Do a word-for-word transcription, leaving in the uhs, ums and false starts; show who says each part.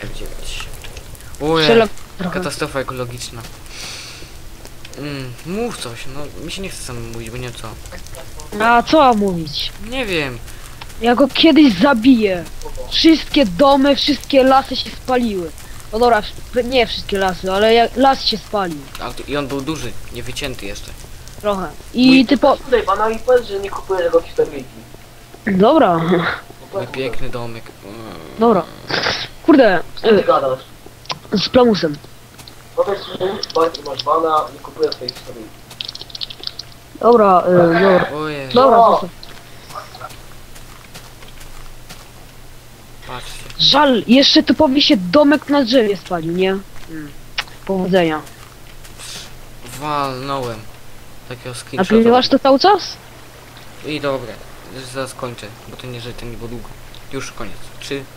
Speaker 1: F dziewięć. Ojej,
Speaker 2: Strzelam trochę.
Speaker 1: katastrofa ekologiczna. Mm, mów coś, no mi się nie chce sam mówić, bo nie wiem co.
Speaker 2: A co mam mówić?
Speaker 1: Nie wiem.
Speaker 2: Ja go kiedyś zabiję. Wszystkie domy, wszystkie lasy się spaliły. No dobra, w- nie wszystkie lasy, ale jak las się spalił.
Speaker 1: A, tu- I on był duży, nie wycięty jeszcze.
Speaker 2: Trochę. I
Speaker 1: Mój-
Speaker 2: ty po...
Speaker 3: Tutaj pana i powiedz, że nie kupuje tego historyjki.
Speaker 2: Dobra.
Speaker 1: Mój piękny domek. Mm.
Speaker 2: Dobra. Kurde.
Speaker 3: Co ty
Speaker 2: y,
Speaker 3: gadasz?
Speaker 2: Z plamusem.
Speaker 3: Powiedz, że masz- masz bana, nie kupuje tej historyjki.
Speaker 2: Dobra, y, dobra.
Speaker 1: Ojej,
Speaker 2: Dobra,
Speaker 3: No.
Speaker 2: zostaw.
Speaker 1: patrzcie.
Speaker 2: Żal, jeszcze typowi się domek na drzewie spalił, nie? Mm. Powodzenia.
Speaker 1: Walnąłem. Takiego
Speaker 2: A
Speaker 1: screenshota.
Speaker 2: pilnowasz to cały czas?
Speaker 1: I dobra, zaraz kończę, bo to nie, że to nie było długo. Już koniec. Trzy,